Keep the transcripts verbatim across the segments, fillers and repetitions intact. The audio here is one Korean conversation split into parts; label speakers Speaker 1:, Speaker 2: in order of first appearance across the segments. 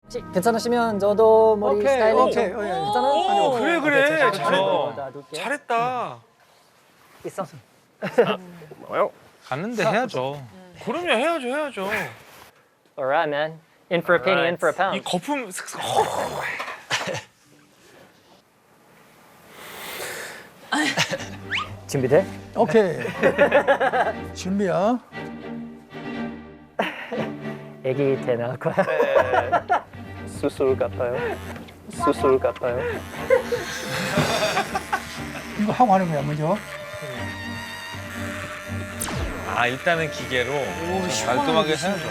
Speaker 1: 혹시 괜찮으시면 저도 머리
Speaker 2: 오케이,
Speaker 1: 스타일링
Speaker 2: 오케이.
Speaker 1: 좀
Speaker 2: 어, 예.
Speaker 1: 괜찮아요?
Speaker 3: 오, 그래 그래.
Speaker 1: 오케이, 제가
Speaker 3: 잘했다.
Speaker 1: 좀 놔둘게요.
Speaker 3: 잘했다.
Speaker 1: 있어.
Speaker 3: 뭐요? 갔는데 해야죠. 그럼요, 해야죠, 해야죠.
Speaker 1: Alright, man. In for a penny, in for a
Speaker 3: 이
Speaker 1: pound.
Speaker 3: 거품.
Speaker 1: 준비돼?
Speaker 2: 오케이. 준비야.
Speaker 1: 애기 때 나올 거야. 수술 같아요. 수술 같아요.
Speaker 2: 이거 하고 하는 거야, 먼저.
Speaker 3: 아, 일단은 기계로 좀 깔끔하게 해야죠.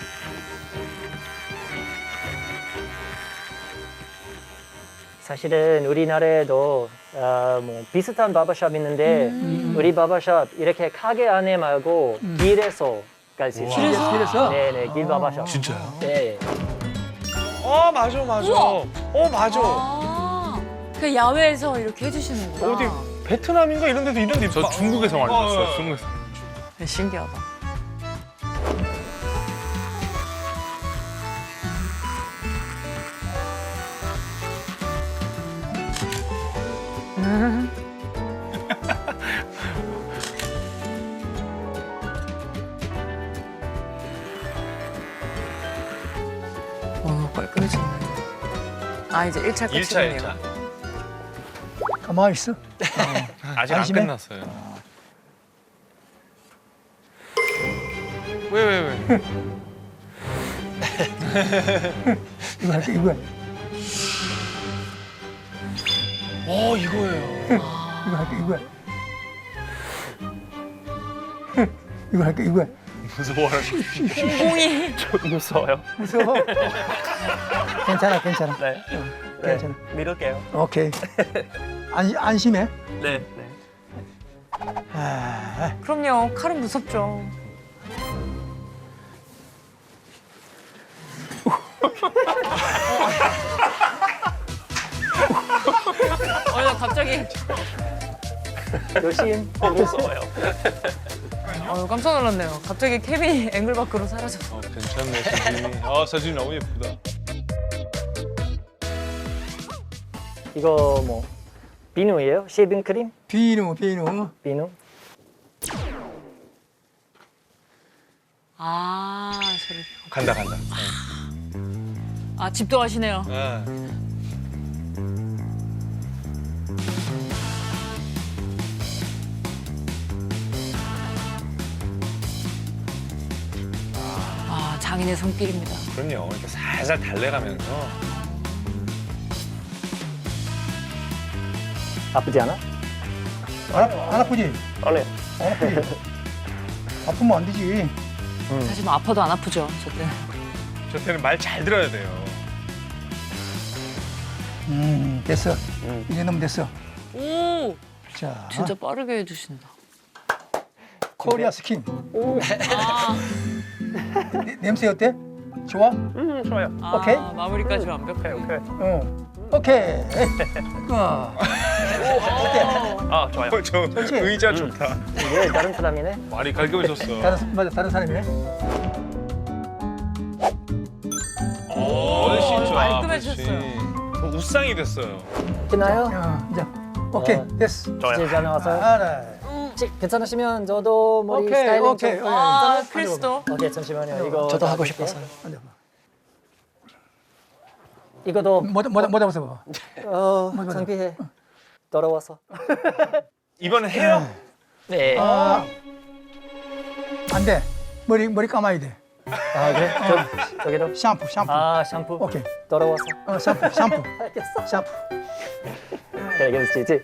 Speaker 1: 사실은 우리나라에도 어, 뭐 비슷한 바버샵 있는데 우리 바버샵 이렇게 가게 안에 말고 길에서 갈 수 있어요.
Speaker 2: 길에서? 길에서?
Speaker 1: 네네, 길 바버샵.
Speaker 3: 진짜요?
Speaker 1: 네.
Speaker 3: 어, 맞아, 맞아.
Speaker 4: 우와.
Speaker 3: 어, 맞아.
Speaker 4: 아, 그 야외에서 이렇게 해주시는구나.
Speaker 3: 어디 베트남인가 이런 데도 이런 데
Speaker 5: 저 중국에서 많이
Speaker 3: 어,
Speaker 5: 봤어요.
Speaker 3: 어.
Speaker 5: 중국에서.
Speaker 4: 네, 신기하다. 오, 깔끔해졌네. 아, 이제 일 차
Speaker 3: 일 차, 일
Speaker 4: 끝이네요.
Speaker 3: 차.
Speaker 2: 가만히 있어.
Speaker 3: 아직 안
Speaker 2: 안심해?
Speaker 3: 끝났어요. 왜, 왜, 왜?
Speaker 2: 이거 할게, 이거.
Speaker 3: 어, 이거예요.
Speaker 2: 이거 할게, 이거. 이거 할게, 이거.
Speaker 3: 무서워하는
Speaker 4: 공이
Speaker 1: 좀 무서워요.
Speaker 2: 무서워. 괜찮아, 괜찮아.
Speaker 1: 네.
Speaker 2: 괜찮아.
Speaker 1: 믿을게요.
Speaker 2: 오케이. 안, 안심해.
Speaker 1: 네. 네.
Speaker 2: 아,
Speaker 4: 그럼요. 칼은 무섭죠. 어, 나 갑자기
Speaker 1: 조심. 무서워요.
Speaker 4: 어, 깜짝 놀랐네요. 갑자기 케빈이 앵글 밖으로 사라졌어.
Speaker 5: 어, 괜찮네, 사진이. 아, 사진이 너무 예쁘다.
Speaker 1: 이거 뭐 비누예요? 쉐이빙 크림?
Speaker 2: 비누, 비누.
Speaker 1: 비누?
Speaker 4: 아, 저를.
Speaker 3: 간다, 간다.
Speaker 4: 아, 집도 하시네요.
Speaker 3: 네.
Speaker 4: 아, 장인의 손길입니다.
Speaker 3: 그럼요. 이렇게 살살 달래가면서.
Speaker 1: 아프지 않아?
Speaker 2: 안, 아- 안 아프지?
Speaker 1: 안 해.
Speaker 2: 안 아프지? 아프면 안 되지.
Speaker 4: 사실 뭐 아파도 안 아프죠, 저 때는.
Speaker 3: 저 때는 말 잘 들어야 돼요.
Speaker 2: 음, 됐어. 이제 너무 됐어.
Speaker 4: 오,
Speaker 2: 자,
Speaker 4: 진짜 빠르게 해주신다.
Speaker 2: 코리아 스킨.
Speaker 4: 아,
Speaker 2: 네, 냄새 어때? 좋아?
Speaker 1: 음, 좋아요.
Speaker 4: 아,
Speaker 2: 오케이.
Speaker 4: 마무리까지 완벽해.
Speaker 1: 오케이.
Speaker 2: 응. 오케이. 어.
Speaker 1: 아, 좋아요.
Speaker 3: 어, 저
Speaker 2: 좋지?
Speaker 3: 의자 좋다.
Speaker 1: 이게 다른 사람이네.
Speaker 5: 말이 깔끔해졌어.
Speaker 2: 다른, 맞아, 다른 사람이네.
Speaker 5: 훨씬 좋아.
Speaker 4: 깔끔해졌어요.
Speaker 5: 훨씬.
Speaker 3: 저 우상이 됐어요.
Speaker 1: 괜찮아요?
Speaker 2: 어, 이제. 오케이,
Speaker 1: 어.
Speaker 2: 됐어.
Speaker 1: 이제 잘 나왔어요.
Speaker 2: 알아.
Speaker 1: 혹시 괜찮으시면 저도 머리
Speaker 2: 오케이,
Speaker 1: 스타일링
Speaker 2: 오케이.
Speaker 1: 좀.
Speaker 2: 어,
Speaker 4: 아, 크리스도.
Speaker 1: 오케이, 잠시만요. 이거
Speaker 2: 저도
Speaker 1: 하고 싶어서.
Speaker 2: 앉아봐.
Speaker 1: 이거도
Speaker 2: 모자, 모자, 모자 벗어봐.
Speaker 1: 어,
Speaker 2: 맞아.
Speaker 1: 창피해. 더러워서.
Speaker 3: 이번엔 해요?
Speaker 1: 네.
Speaker 2: 아, 안 돼. 머리, 머리 감아야 돼.
Speaker 1: 아, 그래? 저, 저기도.
Speaker 2: 샴푸, 샴푸.
Speaker 1: 아, 샴푸.
Speaker 2: 오케이.
Speaker 1: 더러워서.
Speaker 2: 어, 샴푸, 샴푸.
Speaker 1: 알겠어.
Speaker 2: 샴푸.
Speaker 1: 그래, 알겠지.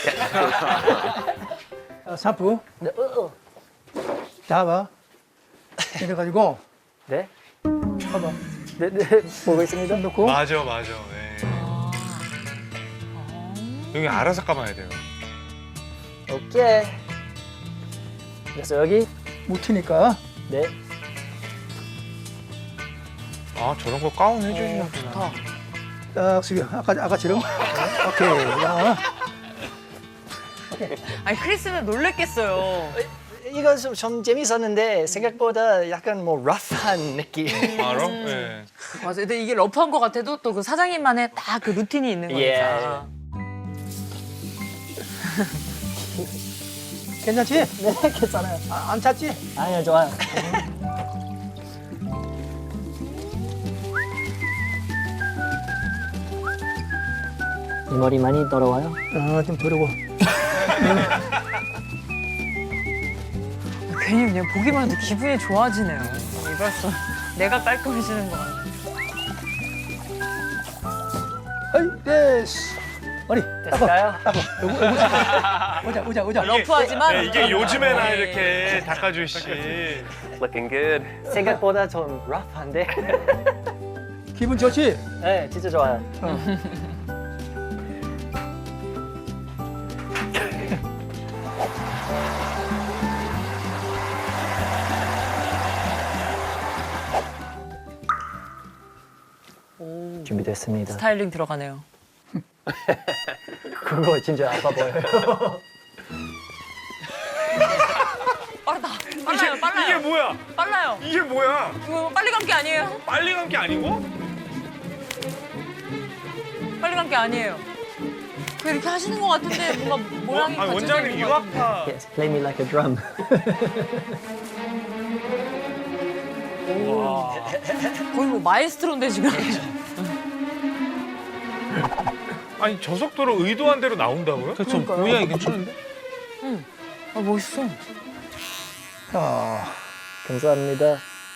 Speaker 2: 어, 샴푸.
Speaker 1: 네, 어, 어.
Speaker 2: 잡아. 이래가지고,
Speaker 1: 네?
Speaker 2: 봐봐.
Speaker 1: 네, 네. 보고 있습니다.
Speaker 2: 손 넣고.
Speaker 3: 맞아, 맞아. 네. 여기 알아서 감아야 돼요.
Speaker 1: 오케이. 그래서 여기.
Speaker 2: 묻히니까.
Speaker 1: 네.
Speaker 3: 아, 저런 거 가운 해주시나
Speaker 4: 어,
Speaker 3: 보다.
Speaker 4: 좋다.
Speaker 2: 딱 숙여. 아까, 아까처럼. 오케이. 야.
Speaker 4: 아니, 크리스는 놀랬겠어요.
Speaker 1: 이거 좀, 좀 재밌었는데 생각보다 약간 뭐 러프한 느낌.
Speaker 3: 아, 럼? 네.
Speaker 4: 맞아요. 근데 이게 러프한 것 같아도 또 그 사장님만의 딱 그 루틴이 있는
Speaker 1: 예.
Speaker 4: 거니까.
Speaker 2: 괜찮지?
Speaker 1: 네, 괜찮아요.
Speaker 2: 아, 안 찼지?
Speaker 1: 아니요, 좋아요. 이 머리 많이 더러워요?
Speaker 2: 어, 좀 더러워.
Speaker 4: 괜히 그냥 보기만 해도 기분이 좋아지네요. 이발소 내가 깔끔해지는 거 같아요.
Speaker 2: 어이, 됐어. 머리,
Speaker 1: 됐을까요?
Speaker 2: 오자, 오자, 오자.
Speaker 4: 러프하지만
Speaker 5: 네, 이게 요즘에나
Speaker 4: 네.
Speaker 5: 이렇게 닦아주시.
Speaker 6: Looking good.
Speaker 1: 생각보다 좀 러프한데?
Speaker 2: 기분 좋지?
Speaker 1: 네, 진짜 좋아요. 준비됐습니다.
Speaker 4: 스타일링 들어가네요.
Speaker 1: 그거 진짜 아파 보여요.
Speaker 4: 빠르다. 빨라요.
Speaker 5: 이게
Speaker 4: 빨라요.
Speaker 5: 뭐야?
Speaker 4: 빨라요.
Speaker 5: 이게 뭐야?
Speaker 4: 이거 빨리 간 게 아니에요.
Speaker 5: 빨리 간 게 아니고?
Speaker 4: 빨리 간 게 아니에요. 그 이렇게 하시는 것 같은데 뭔가 모양이
Speaker 5: 아,
Speaker 4: 갖춰져
Speaker 5: 원장님
Speaker 4: 있는 것 같은데.
Speaker 5: 유학파.
Speaker 1: Yes, play me like a drum.
Speaker 4: 거의 뭐 마에스트로인데 지금.
Speaker 5: 아니 저 속도로 의도한 대로 나온다고요?
Speaker 3: 그렇죠. 모양이 괜찮은데?
Speaker 4: 아 멋있어.
Speaker 2: 아,
Speaker 1: 감사합니다.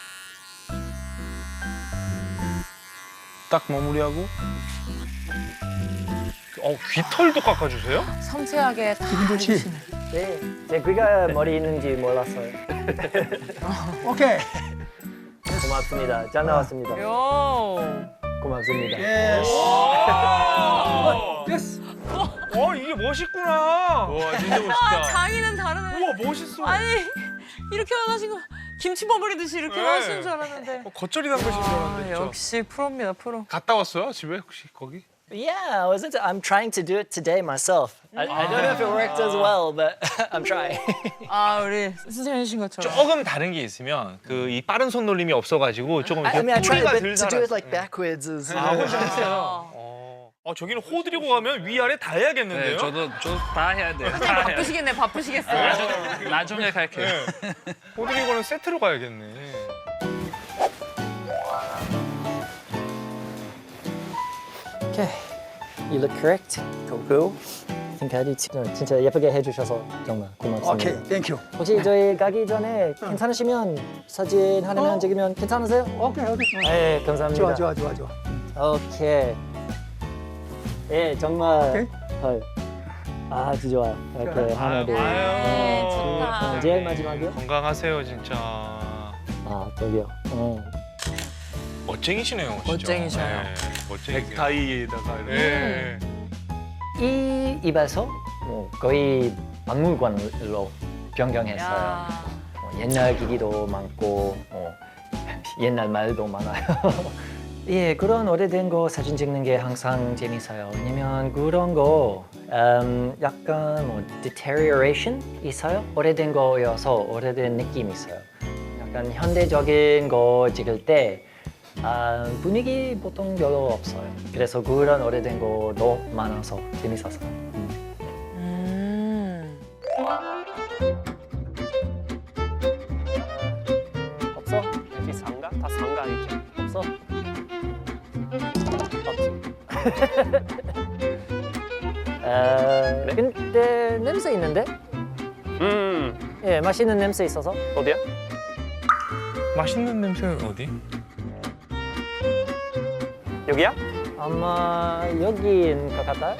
Speaker 3: 딱 마무리하고.
Speaker 5: 어 귀털도 깎아주세요?
Speaker 4: 섬세하게 다
Speaker 2: 기분 좋지?
Speaker 4: 해주시네.
Speaker 1: 네, 제 귀가 머리 있는지 몰랐어요.
Speaker 2: 오케이.
Speaker 1: 고맙습니다. 잘 나왔습니다.
Speaker 4: 요.
Speaker 1: 고맙습니다.
Speaker 2: 예스.
Speaker 5: 와,
Speaker 2: 예스.
Speaker 5: 와 이게 멋있구나.
Speaker 3: 와, 진짜
Speaker 4: 아
Speaker 3: 멋있다.
Speaker 4: 장인은 다르네.
Speaker 5: 우와 멋있어.
Speaker 4: 아니 이렇게 하신 거 김치 버무리듯이 이렇게
Speaker 5: 네.
Speaker 4: 하시는 줄 알았는데.
Speaker 5: 어, 겉절이 담그신 줄
Speaker 4: 아,
Speaker 5: 알았는데 진짜.
Speaker 4: 역시 프로입니다 프로.
Speaker 5: 갔다 왔어요 집에 혹시 거기?
Speaker 1: Yeah, I was into, I'm trying to do it today myself. I, I don't know if it worked as well, but I'm trying.
Speaker 4: 아 우리 선생님이신 것처럼.
Speaker 3: 조금 다른 게 있으면 그 이 빠른 손놀림이 없어가지고 조금
Speaker 1: I,
Speaker 3: 이렇게
Speaker 1: I mean, I tried
Speaker 3: 뿌리가
Speaker 1: a
Speaker 3: 덜
Speaker 1: bit to do it
Speaker 3: 살았어.
Speaker 1: like backwards. As,
Speaker 3: 아, 훨씬 했어요.
Speaker 4: 아,
Speaker 5: 어. 아 저기는 호 들이고 가면 위아래 다 해야겠는데요?
Speaker 6: 네, 저도 저 다 해야 돼요. 다
Speaker 4: 선생님
Speaker 6: 해야 돼요.
Speaker 4: 바쁘시겠네 바쁘시겠어요.
Speaker 6: 나중에 갈게요.
Speaker 5: 네. 호 들이고는 세트로 가야겠네.
Speaker 1: Okay, you look correct. Go go. I think I did. too. 진짜 예쁘게 해주셔서 정말 고맙습니다.
Speaker 2: 오케이, 땡큐.
Speaker 1: 혹시 저희 가기 전에 괜찮으시면 사진 하나만
Speaker 2: 어?
Speaker 1: 찍으면 괜찮으세요?
Speaker 2: 오케이, 오케이.
Speaker 1: 네, 감사합니다.
Speaker 2: 좋아, 좋아, 좋아, 좋아.
Speaker 1: 오케이. 예, 정말.
Speaker 2: 오케이.
Speaker 1: 헐. 아주 좋아요. 이렇게 하나, 둘.
Speaker 4: 네, 좋다.
Speaker 1: 어, 제일 마지막이요?
Speaker 5: 건강하세요 진짜.
Speaker 1: 아, 저기요. 어.
Speaker 5: 멋쟁이시네요 진짜.
Speaker 4: 멋쟁이셔요.
Speaker 5: 네, 멋쟁이.
Speaker 3: 넥타이에다가 이렇게.
Speaker 5: 네.
Speaker 1: 이 입에서 뭐 거의 박물관으로 변경했어요.
Speaker 4: 야.
Speaker 1: 뭐 옛날 기기도 많고 뭐 옛날 말도 많아요. 예, 그런 오래된 거 사진 찍는 게 항상 재밌어요. 왜냐면 그런 거 음, 약간 뭐 deterioration 있어요. 오래된 거여서 오래된 느낌이 있어요. 약간 현대적인 거 찍을 때 아, 분위기 보통 별로 없어요. 그래서 그런 오래된 거도 많아서 재밌었어요. 음.
Speaker 4: 음.
Speaker 1: 없어?
Speaker 6: 여기 상가? 다 상가 아니죠?
Speaker 1: 없어? 어, 근데 냄새 있는데?
Speaker 6: 음,
Speaker 1: 예, 맛있는 냄새 있어서.
Speaker 6: 어디야?
Speaker 5: 맛있는 냄새는 어디?
Speaker 6: 여기야?
Speaker 1: 아마 여기인 것 같아요.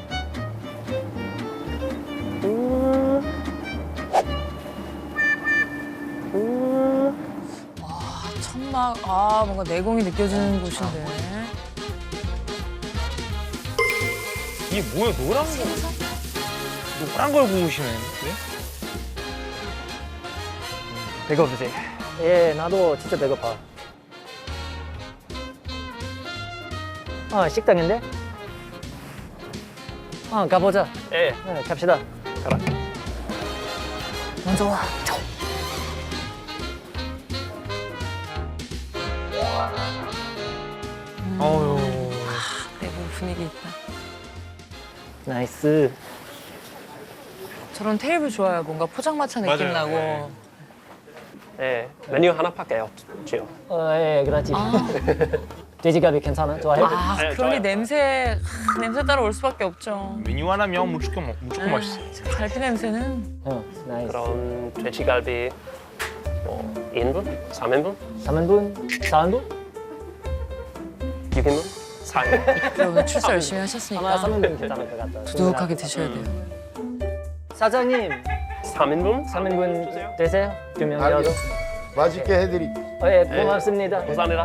Speaker 1: 음. 음.
Speaker 4: 아, 천막. 아 뭔가 내공이 느껴지는 곳인데.
Speaker 5: 이게 뭐야 노란 거? 노란 걸 구우시네. 네?
Speaker 1: 배고프세요? 예, 나도 진짜 배고파. 아, 식당인데? 아, 가보자.
Speaker 6: 예.
Speaker 1: 네, 갑시다. 가라. 먼저 와.
Speaker 5: 어유.
Speaker 4: 내부 분위기 있다.
Speaker 1: 나이스.
Speaker 4: 저런 테이블 좋아요. 뭔가 포장마차 느낌
Speaker 3: 맞아요.
Speaker 4: 나고.
Speaker 3: 네.
Speaker 6: 네, 메뉴 하나밖에 없지요.
Speaker 1: 어, 예, 그렇지.
Speaker 4: 아,
Speaker 1: 돼지갈비 괜찮아? 좋아해?
Speaker 4: 아
Speaker 6: 네,
Speaker 4: 그러니
Speaker 6: 좋아요.
Speaker 4: 냄새 하, 냄새 따라 올 수밖에 없죠.
Speaker 5: 메뉴 하나면 무조건 먹- 무조건 맛있어.
Speaker 4: 아, 갈비 냄새는
Speaker 1: 응, 나이스.
Speaker 6: 그럼 돼지갈비 뭐 이 인분? 삼 인분?
Speaker 1: 삼 인분? 사 인분?
Speaker 6: 육 인분? 사 인분?
Speaker 4: 그러면 출사 열심히
Speaker 1: 아마
Speaker 4: 하셨으니까
Speaker 1: 삼 인분 괜찮을 것 같다.
Speaker 4: 두둑하게 드셔야 돼요.
Speaker 1: 사장님,
Speaker 6: 삼 인분?
Speaker 1: 삼 인분
Speaker 6: 주세요.
Speaker 1: 되세요? 두 명이라도?
Speaker 2: 알겠습니다. 맛있게 해드리.
Speaker 1: 어, 예, 고맙습니다.
Speaker 6: 감사합니다.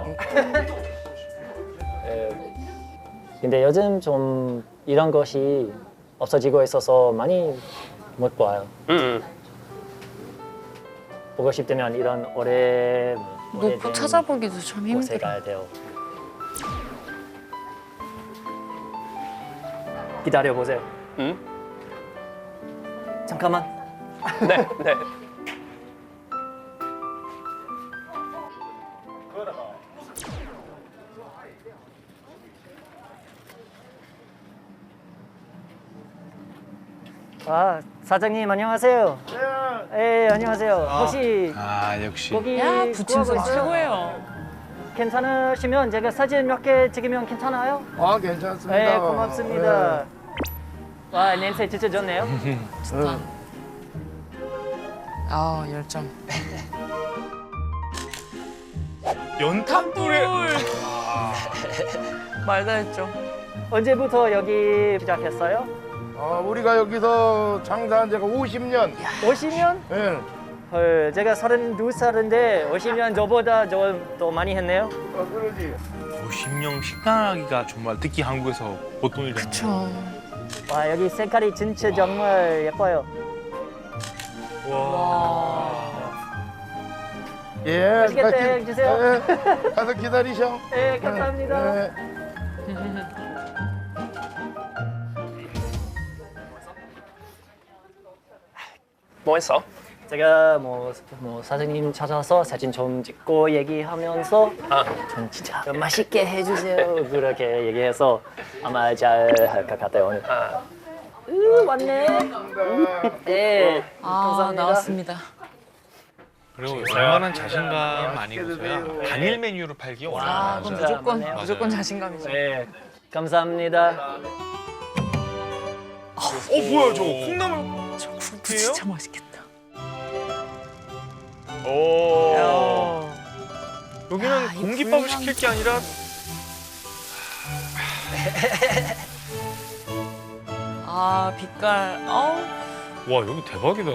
Speaker 1: 예, 근데 요즘 좀 이런 것이 없어지고 있어서 많이 못 봐요.
Speaker 6: 음, 음.
Speaker 1: 보고 싶다면 이런 오래
Speaker 4: 놓고 찾아보기도 참
Speaker 1: 곳에
Speaker 4: 힘들어.
Speaker 1: 가야 돼요. 기다려 보세요.
Speaker 6: 음?
Speaker 1: 잠깐만.
Speaker 6: 네, 네.
Speaker 1: 아, 사장님 안녕하세요. 네, 안녕하세요. 혹시
Speaker 5: 아 역시.
Speaker 1: 고기
Speaker 4: 야
Speaker 1: 구하고
Speaker 4: 부침성
Speaker 1: 있어요?
Speaker 4: 최고예요.
Speaker 1: 괜찮으시면 제가 사진 몇 개 찍으면 괜찮아요?
Speaker 2: 아, 괜찮습니다.
Speaker 1: 네, 고맙습니다. 와, 냄새 진짜 좋네요.
Speaker 4: 좋다. 아 열정.
Speaker 5: 연탄불에.
Speaker 4: 말다 했죠.
Speaker 1: 언제부터 여기 시작했어요?
Speaker 2: 어, 우리가 여기서 장사한 지가 오십 년.
Speaker 1: 오십 년?
Speaker 2: 예.
Speaker 1: 헐, 제가 서른두 살인데 오십 년 저보다 좀 더 많이 했네요.
Speaker 2: 어, 그러지.
Speaker 5: 오십 년 식당하기가 정말 특히 한국에서 보통 일이 아니에요.
Speaker 4: 그쵸.
Speaker 1: 와, 여기 색깔이 진짜 정말 예뻐요.
Speaker 5: 와.
Speaker 2: 예.
Speaker 1: 맛있겠다,
Speaker 2: 같이-
Speaker 1: 해주세요.
Speaker 2: 예, 가서 기다리셔.
Speaker 1: 네, 감사합니다.
Speaker 2: 예.
Speaker 6: 뭐 했어?
Speaker 1: 제가 뭐, 뭐 사장님 찾아서 사진 좀 찍고 얘기하면서
Speaker 6: 아,
Speaker 1: 좀 진짜 좀 맛있게 해주세요. 그렇게 얘기해서 아마 잘 할 것 같아요 오늘.
Speaker 6: 아,
Speaker 1: 으, 왔네. 네,
Speaker 4: 아
Speaker 1: 감사합니다.
Speaker 4: 나왔습니다.
Speaker 5: 그리고 얼마나 자신감 아니고서야 단일 메뉴로 팔기
Speaker 4: 아
Speaker 5: 어려워요.
Speaker 4: 그럼
Speaker 1: 맞아요.
Speaker 4: 무조건
Speaker 1: 맞아요.
Speaker 4: 무조건 자신감이죠.
Speaker 1: 네, 감사합니다.
Speaker 5: 어 뭐야 저거 콩나물.
Speaker 4: 저 국도 진짜 맛있겠다.
Speaker 5: 오.
Speaker 4: 야.
Speaker 5: 여기는
Speaker 4: 야, 이
Speaker 5: 공깃밥을
Speaker 4: 불량-
Speaker 5: 시킬 게 아니라
Speaker 4: 아 빛깔. 어우.
Speaker 5: 와 여기 대박이다.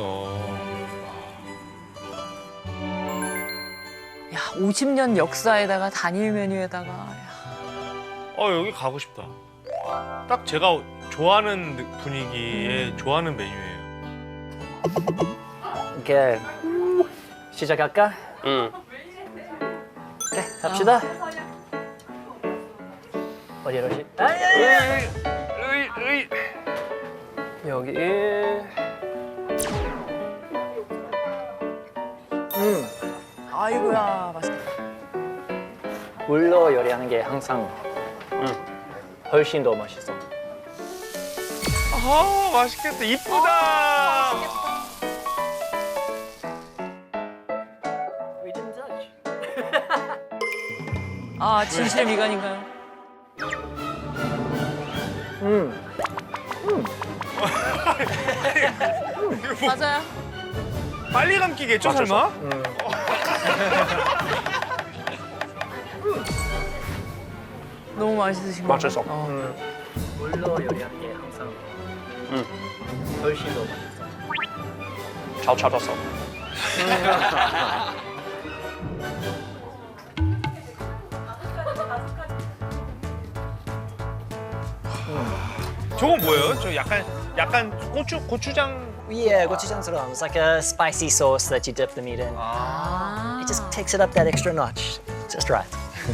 Speaker 4: 야 오십 년 역사에다가 단일 메뉴에다가. 야.
Speaker 5: 어 여기 가고 싶다. 딱 제가 좋아하는 느- 분위기에 좋아하는 메뉴예요.
Speaker 1: 이렇게 시작할까?
Speaker 6: 음.
Speaker 1: 네, 갑시다. 어디로 시? 아니, 아니, 아니.
Speaker 5: 으이, 으이.
Speaker 6: 여기
Speaker 1: 음,
Speaker 4: 아이고야 맛있겠다.
Speaker 1: 물로 요리하는 게 항상
Speaker 6: 음.
Speaker 1: 훨씬 더 맛있어.
Speaker 5: 아 맛있겠다. 이쁘다.
Speaker 1: We didn't touch.
Speaker 4: 아 진실의 미간인가요?
Speaker 1: 음,
Speaker 4: 맞아요.
Speaker 5: 빨리 감기겠죠
Speaker 6: 맞아,
Speaker 5: 설마?
Speaker 1: 음.
Speaker 4: 너무 맛있으신 거.
Speaker 6: 맛있어.
Speaker 4: 어.
Speaker 1: 음. 물로 요리하는 게 항상
Speaker 6: 음.
Speaker 1: 훨씬 더 맛있어.
Speaker 6: 잘 찾았어.
Speaker 5: 저건 뭐예요? 저 약간 약간 고추 고추장.
Speaker 1: Yeah, gochujang It's like a spicy sauce that you dip the meat in.
Speaker 4: 아.
Speaker 1: It just takes it up that extra notch. Just right.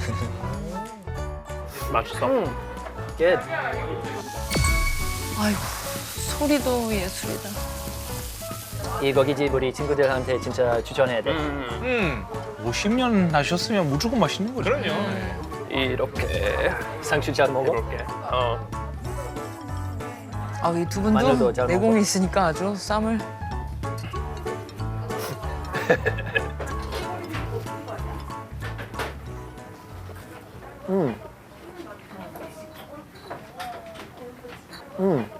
Speaker 6: 맛있어.
Speaker 1: Good.
Speaker 4: 아이고 소리도 예술이다.
Speaker 1: 이 고깃집 우리 친구들한테 진짜 추천해야 돼.
Speaker 6: 음.
Speaker 5: 음. 오십 년 하셨으면 무조건 맛있는 거죠. 그럼요.
Speaker 6: 이 이렇게
Speaker 1: 상추 잘 먹어?
Speaker 6: 이렇게. 어.
Speaker 4: 아, 이 두
Speaker 1: 마늘도
Speaker 4: 분도
Speaker 1: 잘
Speaker 4: 내공이
Speaker 1: 먹어.
Speaker 4: 있으니까 아주 쌈을.
Speaker 1: 음. 음.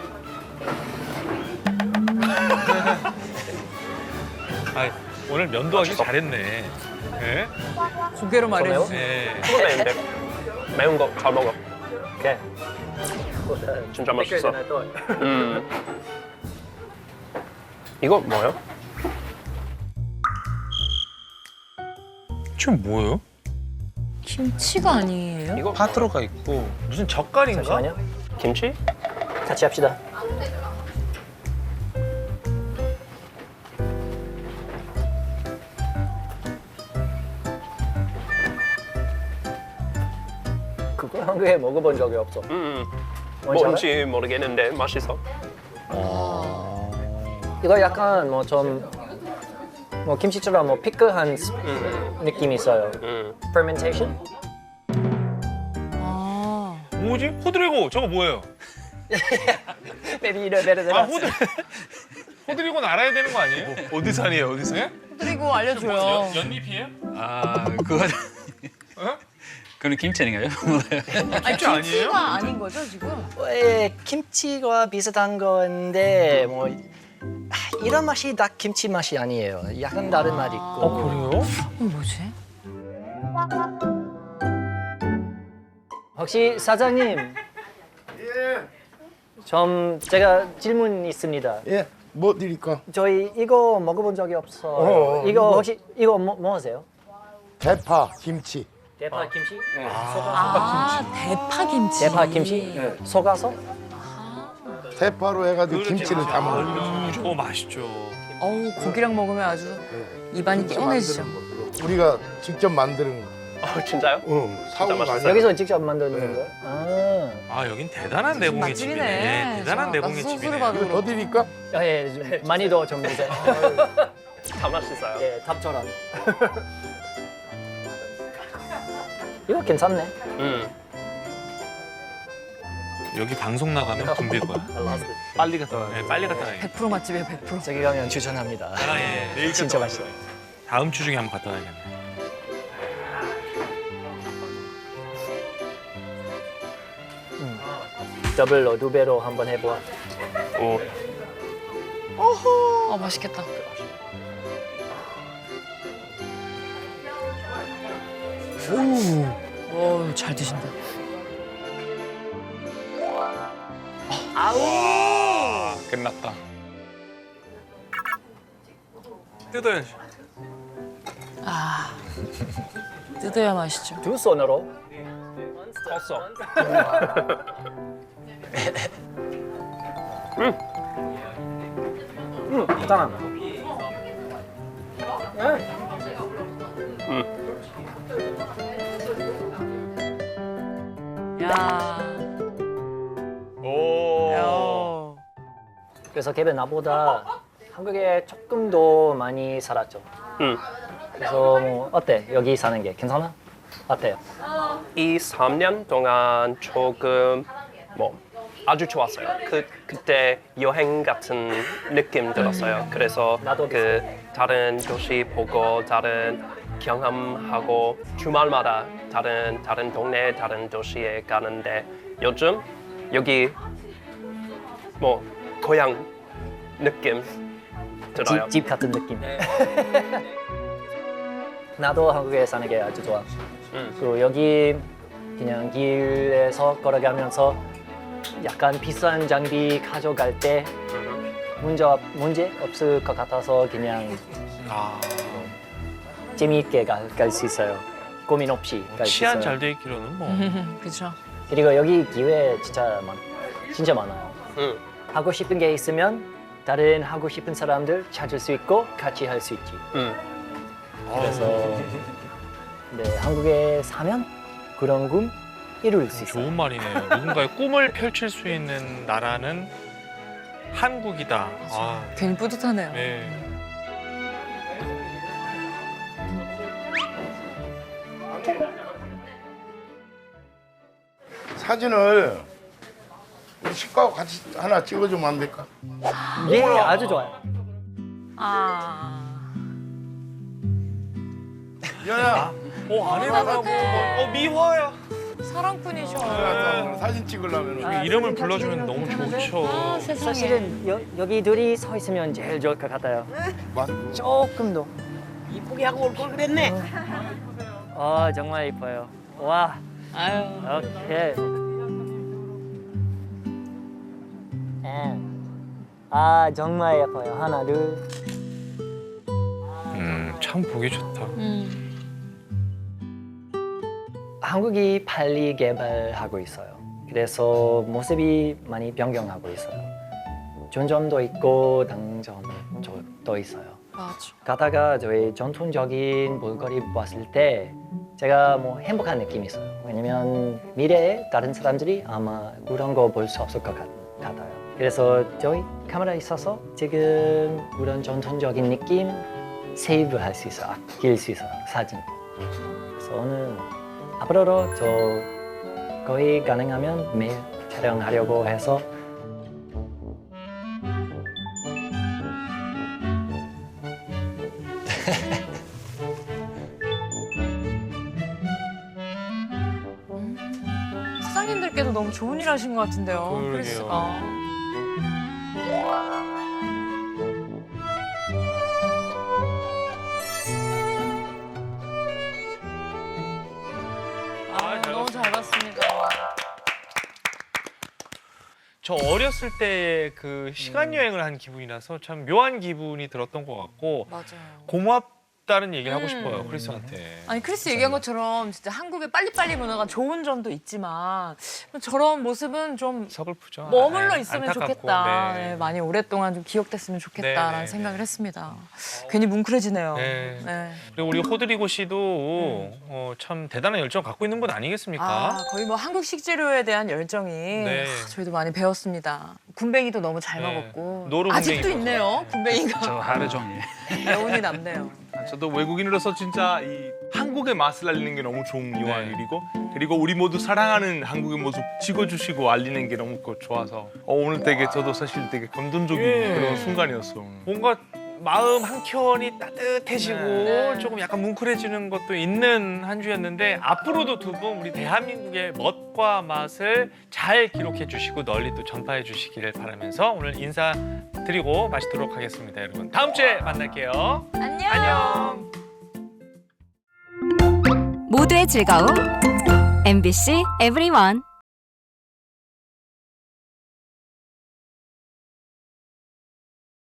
Speaker 5: 아, 오늘 면도 하기 잘했네. 예?
Speaker 4: 고개로 말해주세요.
Speaker 5: 네.
Speaker 6: 조금 매운데 매운 거 잘 먹어.
Speaker 1: 오케이.
Speaker 6: 진짜 맛있어. 음. 이거 뭐예요?
Speaker 3: 지금 뭐예요?
Speaker 4: 김치가 아니에요?
Speaker 6: 이거
Speaker 3: 파트로가 있고
Speaker 5: 무슨 젓갈인가?
Speaker 1: 잠시만요.
Speaker 6: 김치?
Speaker 1: 같이 합시다. 그거 한국에 먹어본 적이 없어.
Speaker 6: 음.
Speaker 1: 뭔지 알아?
Speaker 6: 뭔지 모르겠는데 맛있어.
Speaker 1: 이거 약간 뭐 좀 뭐 김치처럼 뭐 피클한 스-
Speaker 6: 음.
Speaker 1: 느낌이 있어요.
Speaker 6: 음.
Speaker 1: fermentation?
Speaker 4: 아,
Speaker 5: 뭐지? 호드리고 저거 뭐예요?
Speaker 1: Maybe you know better than
Speaker 5: 아,
Speaker 1: us.
Speaker 5: 호드 호드리고는 알아야 되는 거 아니에요?
Speaker 3: 어디산이에요 어디산?
Speaker 5: 예?
Speaker 4: 그리고 알려줘요.
Speaker 5: 연, 연잎이에요?
Speaker 7: 아 그거
Speaker 5: 어?
Speaker 7: 그건 김치 아닌가요? 몰라요.
Speaker 4: 아니,
Speaker 5: 김치 아니에요?
Speaker 4: 김치가 아닌 거죠, 지금?
Speaker 1: 예, 김치와 비슷한 건데 뭐 아, 이런 맛이 딱 김치 맛이 아니에요. 약간 다른 맛이 있고.
Speaker 5: 어, 그래요?
Speaker 4: 어, 뭐지?
Speaker 1: 혹시 사장님? 예. 좀 제가 질문 있습니다.
Speaker 8: 예, 뭐 드릴까?
Speaker 1: 저희 이거 먹어본 적이 없어요.
Speaker 8: 어,
Speaker 1: 이거
Speaker 8: 이거.
Speaker 1: 혹시 이거 뭐, 뭐 하세요?
Speaker 8: 대파, 김치.
Speaker 1: 대파 김치?
Speaker 4: 아, 대파 김치.
Speaker 1: 대파 김치? 속아서?
Speaker 8: 대파로 해가지고 김치를 담아.
Speaker 5: 음, 저거 맛있죠.
Speaker 4: 어우, 고기랑 먹으면 아주 입안이 개운해지죠.
Speaker 8: 우리가 직접 만드는 거.
Speaker 6: 어, 진짜요?
Speaker 8: 응, 사온 거
Speaker 6: 맛있어요.
Speaker 8: 아니야.
Speaker 1: 여기서 직접 만드는
Speaker 8: 네.
Speaker 1: 거예요? 아,
Speaker 5: 아, 여긴 대단한 내공의
Speaker 4: 맛집이네.
Speaker 5: 집이네. 대단한
Speaker 4: 자,
Speaker 5: 내공의
Speaker 4: 나 소스를
Speaker 5: 집이네.
Speaker 4: 받으러.
Speaker 8: 이거 더 드릴까?
Speaker 1: 아, 예, 좀 많이 더 좀 주세요.
Speaker 6: 다 맛있어요.
Speaker 1: 예, 답처럼. 이거 괜찮네.
Speaker 6: 음.
Speaker 5: 여기 방송 나가면 붐빌 거야.
Speaker 3: 빨리 갔다 와.
Speaker 5: 네, 빨리 갔다 와야겠다.
Speaker 4: 백 퍼센트 맛집이에요, 백 퍼센트.
Speaker 1: 저기 가면 추천합니다.
Speaker 5: 아, 예. 내일
Speaker 1: 진짜
Speaker 5: 갔다
Speaker 1: 맛있어요.
Speaker 5: 와야겠다. 다음 주 중에 한번 갔다 와야겠네.
Speaker 1: 더블로 두 배로 한번 해보아.
Speaker 6: 오.
Speaker 4: 아, 맛있겠다. 오, 잘 드신다.
Speaker 3: 끝났다.
Speaker 5: 뜯어야지.
Speaker 4: 아, 뜯어야 맛있죠.
Speaker 1: 두 손으로.
Speaker 5: 컸어.
Speaker 1: 음, 괜찮아.
Speaker 4: 야.
Speaker 5: 오.
Speaker 4: 야.
Speaker 1: 그래서 걔는 나보다 한국에 조금 더 많이 살았죠.
Speaker 6: 음.
Speaker 1: 그래서 뭐 어때? 여기 사는 게 괜찮아? 어때요?
Speaker 6: 이 삼 년 동안 조금 뭐 아주 좋았어요. 그 그때 여행 같은 느낌 들었어요. 그래서
Speaker 1: 나도
Speaker 6: 그 다른 도시 보고 다른 경험하고 주말마다 다른 다른 동네 다른 도시에 가는데 요즘 여기 뭐 고향 느낌 들어요.
Speaker 1: 집, 집 같은 느낌. 나도 한국에 사는 게 아주 좋아.
Speaker 6: 음.
Speaker 1: 그리고 여기 그냥 길에서 걸어가면서 약간 비싼 장비 가져갈 때
Speaker 6: 음.
Speaker 1: 문제, 없- 문제 없을 것 같아서 그냥
Speaker 5: 아,
Speaker 1: 재미있게 갈 수 있어요. 고민 없이 갈 수 있어요.
Speaker 5: 치안 잘 돼 있기로는 뭐.
Speaker 4: 그렇죠.
Speaker 1: 그리고 여기 기회 진짜 많, 진짜 많아요.
Speaker 6: 음.
Speaker 1: 하고 싶은 게 있으면 다른 하고 싶은 사람들 찾을 수 있고 같이 할 수 있지.
Speaker 6: 음.
Speaker 1: 그래서 네, 한국에 사면 그런 꿈 이룰 수 있어요.
Speaker 5: 좋은 말이네요. 누군가의 꿈을 펼칠 수 있는 나라는 한국이다. 아,
Speaker 4: 괜히 뿌듯하네요.
Speaker 5: 네.
Speaker 8: 사진을 우리 식구하고 같이 하나 찍어주면 안 될까?
Speaker 1: 예, 아주 좋아요.
Speaker 4: 아.
Speaker 8: 연아,
Speaker 5: 어 아내가 어 미화야.
Speaker 4: 사랑꾼이셔.
Speaker 8: 연아, 사진 찍으려면
Speaker 1: 아,
Speaker 5: 이름을
Speaker 1: 같이
Speaker 5: 불러주면 너무 좋죠.
Speaker 4: 아, 세상에.
Speaker 1: 사실은 여, 여기 둘이 서 있으면 제일 좋을 것 같아요.
Speaker 8: 맞고.
Speaker 1: 조금 더.
Speaker 9: 이쁘게 하고 올 걸 그랬네.
Speaker 1: 아 정말 이뻐요. 와,
Speaker 4: 아유.
Speaker 1: 오케이. 음. 아 정말 예뻐요. 하나, 둘.
Speaker 5: 음참 보기 좋다.
Speaker 4: 음.
Speaker 1: 한국이 빨리 개발하고 있어요. 그래서 모습이 많이 변경하고 있어요. 좋은 있고 단점도 있어요.
Speaker 4: 맞아.
Speaker 1: 가다가 저희 전통적인 볼거리 봤을 때 제가 뭐 행복한 느낌이 있어요. 왜냐면 미래에 다른 사람들이 아마 그런 거 볼 수 없을 것 같, 같아요. 그래서 저희 카메라 있어서 지금 그런 전통적인 느낌 세이브할 수 있어요. 아낄 수 있어요. 사진. 그래서 오늘 앞으로도 저 거의 가능하면 매일 촬영하려고 해서
Speaker 4: 사장님들께도 너무 좋은 일 하신 것 같은데요.
Speaker 5: 그러게요.
Speaker 4: 크리스가. 아,
Speaker 5: 잘
Speaker 4: 너무 잘 봤습니다.
Speaker 5: 저 어렸을 때 그 시간 여행을 한 기분이라서 참 묘한 기분이 들었던 것 같고
Speaker 4: 맞아요.
Speaker 5: 고맙다는 얘기를 하고
Speaker 4: 음.
Speaker 5: 싶어요 크리스한테.
Speaker 4: 아니 크리스 얘기한 것처럼 진짜 한국의 빨리빨리 문화가 좋은 점도 있지만 저런 모습은 좀
Speaker 5: 서글프죠.
Speaker 4: 머물러
Speaker 5: 아,
Speaker 4: 있으면
Speaker 5: 안타깝고,
Speaker 4: 좋겠다.
Speaker 5: 네.
Speaker 4: 네, 많이 오랫동안 좀 기억됐으면 좋겠다라는
Speaker 5: 네, 네,
Speaker 4: 생각을
Speaker 5: 네.
Speaker 4: 했습니다. 괜히 뭉클해지네요.
Speaker 5: 네.
Speaker 4: 네.
Speaker 5: 그리고 우리 호드리고 씨도 어, 참 대단한 열정 갖고 있는 분 아니겠습니까?
Speaker 4: 아, 거의 뭐 한국 식재료에 대한 열정이
Speaker 5: 네.
Speaker 4: 아, 저희도 많이 배웠습니다. 군뱅이도 너무 잘
Speaker 5: 네.
Speaker 4: 먹었고
Speaker 5: 노루
Speaker 4: 아직도
Speaker 5: 군뱅이
Speaker 4: 있네요. 군뱅이가
Speaker 7: 저 하루 종일.
Speaker 4: 여운이 남네요.
Speaker 3: 저도 외국인으로서 진짜 이 한국의 맛을 알리는 게 너무 좋은 묘한
Speaker 5: 네.
Speaker 3: 일이고 그리고 우리 모두 사랑하는 한국의 모습 찍어주시고 알리는 게 너무 좋아서 어, 오늘 되게 저도 사실 되게 감동적인
Speaker 5: 예.
Speaker 3: 그런 순간이었어요.
Speaker 5: 뭔가 마음 한켠이 따뜻해지고
Speaker 4: 네.
Speaker 5: 조금 약간 뭉클해지는 것도 있는 한 주였는데 앞으로도 두 분 우리 대한민국의 멋과 맛을 잘 기록해 주시고 널리 또 전파해 주시기를 바라면서 오늘 인사드리고 마치도록 하겠습니다, 여러분. 다음 주에 만날게요.
Speaker 4: 안녕.
Speaker 5: 안녕.
Speaker 10: 모두의 즐거움 엠비씨 에브리원.